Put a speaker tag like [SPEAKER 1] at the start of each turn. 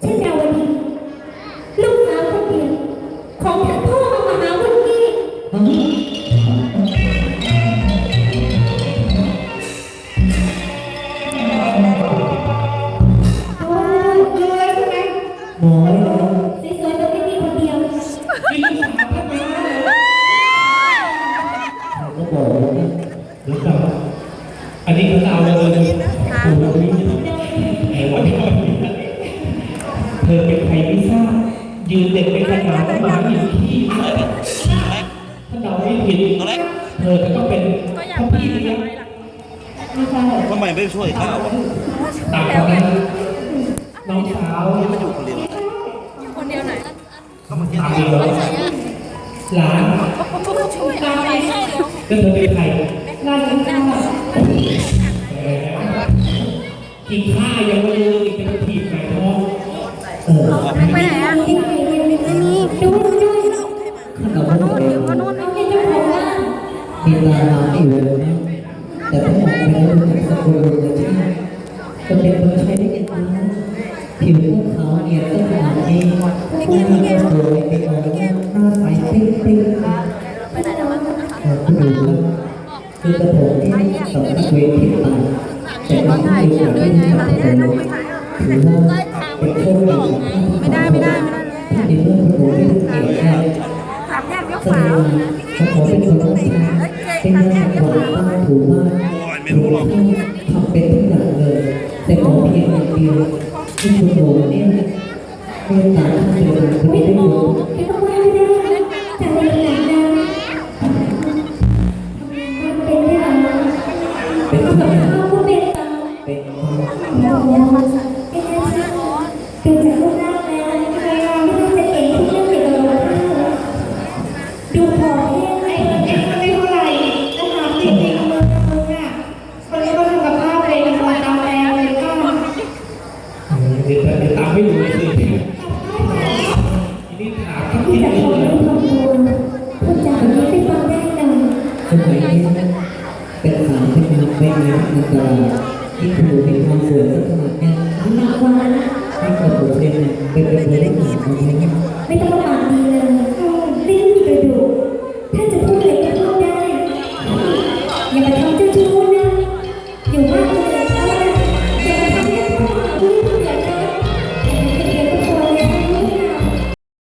[SPEAKER 1] เช่นดาวดีลูกสาวคนเดียวของท่านพ่อมหาวุฒิ
[SPEAKER 2] หมอเลย
[SPEAKER 1] สวยๆแบบนี้คนเดียว
[SPEAKER 2] ก็บอกว่า
[SPEAKER 3] หรือเปล่าอันนี้คือเอาเลยโอ้โหไอ้วันนี้เธอเป็นใครไม่ทราบยืนเด็กเป็นขนาดหมาอยู่ที่ถ้าเราไม่ผิดเธอจะต้องเป็นพ่อพี่เลี้ยง
[SPEAKER 1] ไม่ใช่
[SPEAKER 4] ทำไมไม่ช่วยข้าวอะ
[SPEAKER 3] ตามกันนะน้องสาว
[SPEAKER 4] มันอยู่คนเดียว
[SPEAKER 5] คนเดียวไหน
[SPEAKER 4] ก็มาเที่ยว
[SPEAKER 3] ตามเดียวหลาน
[SPEAKER 5] ช่วยอะไรให้เดี๋ยว
[SPEAKER 3] ก็เธอเป็นใคร
[SPEAKER 1] งานของเรา
[SPEAKER 3] กินข้าวยังไม่รู้อีกจะมาถีบไหนท้อง
[SPEAKER 5] ไปไหนอ่ะ
[SPEAKER 1] ที่ไหนเรียนไม่มีดูด้วย
[SPEAKER 2] ข้าเราก็บอก
[SPEAKER 1] น้องเป็นเจ้าของบ้าน
[SPEAKER 2] มีตาลาอยู่เลยนะแต่ถ้าบอกไปแล้วรู้จักสกุลเลยใช่ไหมก็เป็นคนใช้ได้ยังไงผิวพวกเขาเนี่ยก็ขนาดนี้หน้าก็สวยเป็นอะไรหน้าใสปิ๊งปิ๊ง
[SPEAKER 5] ไปไหนแล้ววะ
[SPEAKER 2] คุณดูครับคือกระผมที่สำนักเวทีต่างแต่ก็ไม่ได้อยากได้ทำเลยถือว่าเป็นโชคดีของท่าน
[SPEAKER 5] ไม่ได้
[SPEAKER 2] ท่านในเรื่องพระโอษฐ์ที่เก่งแค่
[SPEAKER 5] ถามแยกยก
[SPEAKER 2] แสด
[SPEAKER 5] ฝาง
[SPEAKER 2] ว่าเขาขอเป็นคนต้องใช้เป็นเรื่องของบ้านถูบ้าน
[SPEAKER 4] โอ้ยไม่รู้หรอก
[SPEAKER 2] ทำเป็นทุกอย่างเลย แต่ขอเพียงอย่างเดียวที่คุณโอเนี่ยเมตตาท่านเป็นคน
[SPEAKER 1] ไม่
[SPEAKER 2] ที่
[SPEAKER 1] หม
[SPEAKER 2] ดี
[SPEAKER 1] อไม่ต้องว่าไม่ได้แต่ในหลังนั้นเป็นได้หรอ
[SPEAKER 2] เป็น
[SPEAKER 1] ก็
[SPEAKER 2] ทุก
[SPEAKER 1] แบบ
[SPEAKER 2] อย่าง
[SPEAKER 1] เขาเป็น
[SPEAKER 2] เป็น
[SPEAKER 1] เราเป็นอาชีพดูจากรูปร่างแล้วไม่น่าจะเก่งทุกเรื่องเกี่ยวกับดูพอแค่ไหนไม่เท่าไหร่นะคะจริงๆมืออ่ะคนนี้ก็ทำกับข้าวเลยนะคะตามแล้วเลยก็
[SPEAKER 3] เดี๋ยวตามไม่ดูเลยสิทีนี้ถามทั้ง
[SPEAKER 1] ที่
[SPEAKER 3] ที่
[SPEAKER 1] จะ
[SPEAKER 3] เล
[SPEAKER 1] ขอย ให้ทำตัวพูดจาแบบนี้ไปฟังได้หน่อย
[SPEAKER 2] สมัยนี้เป็นสาวเป็นงานเป็นงานอันตรายที่คุณดูมีความสวยสักขนาดนี้
[SPEAKER 1] หนักกว่า
[SPEAKER 2] ให้กระผมเนี่ยเป็นคนเล่นหนังเอาไว้
[SPEAKER 1] ไม่ต้องมาปากดี